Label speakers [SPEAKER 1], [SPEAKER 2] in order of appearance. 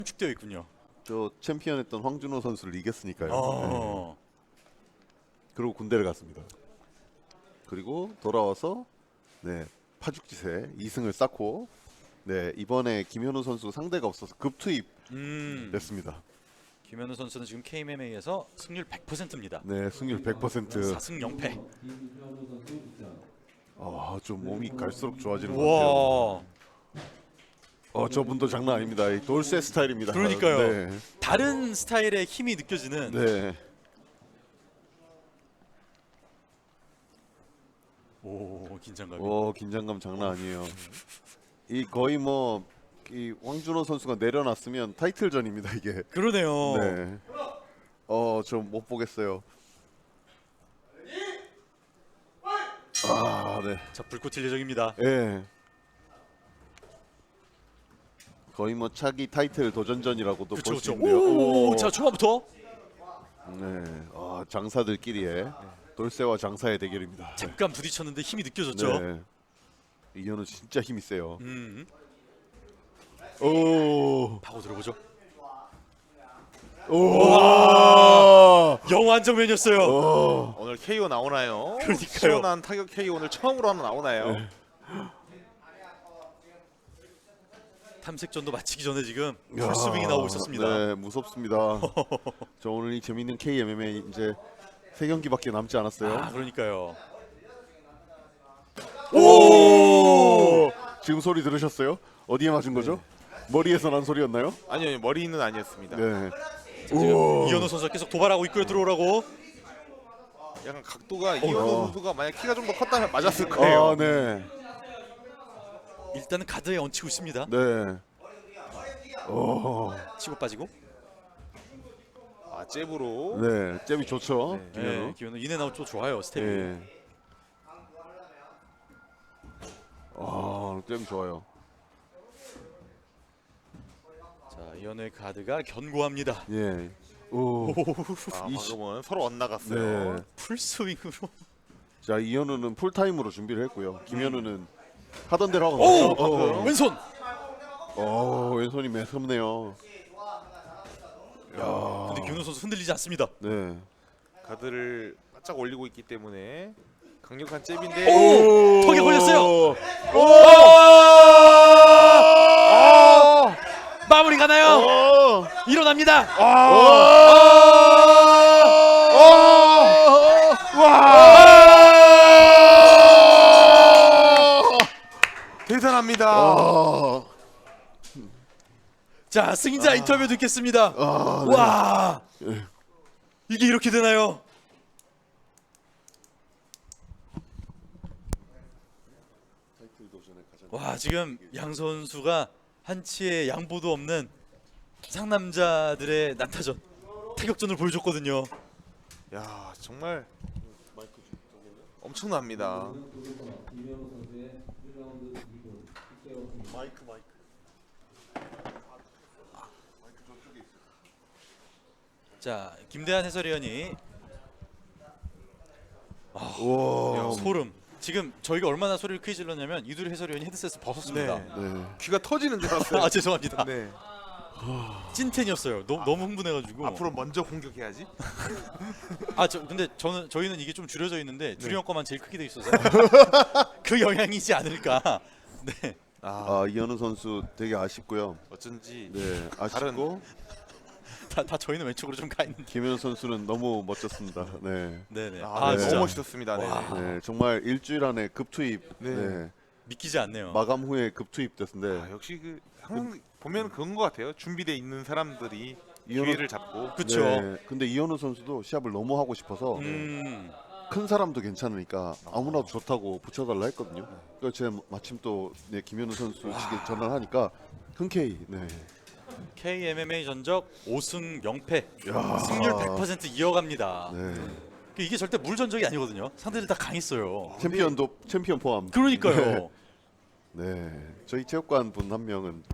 [SPEAKER 1] 축되어 있군요.
[SPEAKER 2] 저 챔피언했던 황준호 선수를 이겼으니까요.
[SPEAKER 1] 어.
[SPEAKER 2] 그리고 군대를 갔습니다. 그리고 돌아와서 네 파죽지세 2승을 쌓고 네 이번에 김현우 선수 상대가 없어서 급투입 됐습니다.
[SPEAKER 1] 김현우 선수는 지금 KMMA에서 승률 100%입니다.
[SPEAKER 2] 네 승률 100%.
[SPEAKER 1] 4승 0패.
[SPEAKER 2] 좀 몸이 갈수록 좋아지는 것 같아요.
[SPEAKER 1] 와.
[SPEAKER 2] 저분도 장난 아닙니다. 이 돌쇠 스타일입니다.
[SPEAKER 1] 그러니까요.
[SPEAKER 2] 네.
[SPEAKER 1] 다른 스타일의 힘이 느껴지는.
[SPEAKER 2] 네.
[SPEAKER 1] 오, 긴장감이.
[SPEAKER 2] 긴장감 장난 아니에요. 이 거의 뭐 이 황준호 선수가 내려놨으면 타이틀전입니다 이게.
[SPEAKER 1] 그러네요.
[SPEAKER 2] 네. 저 못 보겠어요. 네.
[SPEAKER 1] 자, 불꽃 튈 예정입니다.
[SPEAKER 2] 예. 거의 뭐 차기 타이틀 도전전이라고도 볼 수
[SPEAKER 1] 그렇죠.
[SPEAKER 2] 있는데요.
[SPEAKER 1] 오, 자, 초반부터
[SPEAKER 2] 네. 장사들끼리의 돌쇠와 장사의 대결입니다.
[SPEAKER 1] 잠깐 부딪혔는데 힘이 느껴졌죠.
[SPEAKER 2] 네. 이현우 진짜 힘이 세요.
[SPEAKER 1] 파고 들어보죠. 영화 한 장면이었어요.
[SPEAKER 3] 오늘 KO 나오나요?
[SPEAKER 1] 그러니까요.
[SPEAKER 3] 시원한 타격 KO 오늘 처음으로 하나 나오나요?
[SPEAKER 1] 탐색전도 마치기 전에 지금 풀스윙이 나오고 있었습니다.
[SPEAKER 2] 네, 무섭습니다. 저 오늘 이 재밌는 KMMA 이제 3경기밖에 남지 않았어요.
[SPEAKER 1] 그러니까요.
[SPEAKER 2] 지금 소리 들으셨어요? 어디에 맞은 거죠? 머리에서 난 소리였나요?
[SPEAKER 3] 아니요, 머리는 아니었습니다.
[SPEAKER 2] 네.
[SPEAKER 1] 이현우 선수가 계속 도발하고 있고요. 들어오라고.
[SPEAKER 3] 약간 각도가 이현우 선수가 만약 키가 좀 더 컸다면 맞았을 거예요.
[SPEAKER 2] 네.
[SPEAKER 1] 일단은 가드에 얹히고 있습니다.
[SPEAKER 2] 네.
[SPEAKER 1] 치고 빠지고.
[SPEAKER 3] 잽으로.
[SPEAKER 2] 네, 잽이 좋죠.
[SPEAKER 1] 네,
[SPEAKER 2] 김현우.
[SPEAKER 1] 김현우 인앤아웃 좋아요. 스텝이.
[SPEAKER 2] 네. 잽 좋아요.
[SPEAKER 1] 자, 이현우의 가드가 견고합니다.
[SPEAKER 2] 예.
[SPEAKER 3] 방금은 서로 엇나갔어요.
[SPEAKER 2] 네.
[SPEAKER 1] 풀스윙으로.
[SPEAKER 2] 자, 이현우는 풀타임으로 준비를 했고요. 김현우는 하던 대로 하고.
[SPEAKER 1] 왼손.
[SPEAKER 2] 왼손이 매섭네요.
[SPEAKER 1] 근데 김현우 선수 흔들리지 않습니다.
[SPEAKER 2] 네.
[SPEAKER 3] 가드를 바짝 올리고 있기 때문에 강력한 잽인데.
[SPEAKER 1] 턱에 걸렸어요. 마무리 가나요? 일어납니다.
[SPEAKER 3] 대단합니다.
[SPEAKER 1] 자, 승자 인터뷰 듣겠습니다. 와, 이게 이렇게 되나요? 와, 지금 양 선수가 한치의 양보도 없는 상남자들의 난타전 타격전을 보여줬거든요.
[SPEAKER 3] 야, 정말 엄청납니다.
[SPEAKER 1] 자, 김대한 해설위원이 소름. 지금 저희가 얼마나 소리를 크게 질렀냐면 이두리 해설위원이 헤드셋을 벗었습니다.
[SPEAKER 2] 네.
[SPEAKER 3] 귀가 터지는 줄 알았어요.
[SPEAKER 1] 죄송합니다.
[SPEAKER 3] 네.
[SPEAKER 1] 찐텐이었어요. 너무 흥분해가지고.
[SPEAKER 3] 앞으로 먼저 공격해야지.
[SPEAKER 1] 근데 저희는 이게 좀 줄여져 있는데 두리 형 거만 제일 크게 돼 있어서 그 영향이지 않을까. 네.
[SPEAKER 2] 이현우 선수 되게 아쉽고요.
[SPEAKER 3] 어쩐지
[SPEAKER 2] 네, 아쉽고
[SPEAKER 1] 다 저희는 왼쪽으로 좀 가 있는데.
[SPEAKER 2] 김현우 선수는 너무 멋졌습니다. 네.
[SPEAKER 1] 네네.
[SPEAKER 2] 네.
[SPEAKER 1] 진짜
[SPEAKER 3] 너무 멋있었습니다. 네.
[SPEAKER 2] 네, 정말 일주일 안에 급투입.
[SPEAKER 3] 네.
[SPEAKER 2] 네.
[SPEAKER 1] 믿기지 않네요.
[SPEAKER 2] 마감 후에 급투입 됐는데
[SPEAKER 3] 역시 항상 보면 그런 것 같아요. 준비돼 있는 사람들이
[SPEAKER 2] 이현우-
[SPEAKER 3] 기회를 잡고.
[SPEAKER 1] 그쵸.
[SPEAKER 2] 네, 근데 이현우 선수도 시합을 너무 하고 싶어서 큰 사람도 괜찮으니까 아무나도 좋다고 붙여달라 했거든요. 그래서 제가 마침 또 김현우 선수에게 전화를 하니까 흔쾌히
[SPEAKER 1] KMMA 전적 5승 0패. 승률 100% 이어갑니다.
[SPEAKER 2] 네.
[SPEAKER 1] 이게 절대 물 전적이 아니거든요. 상대들 다 강했어요.
[SPEAKER 2] 챔피언 포함.
[SPEAKER 1] 그러니까요.
[SPEAKER 2] 네, 저희 체육관 분 한 명은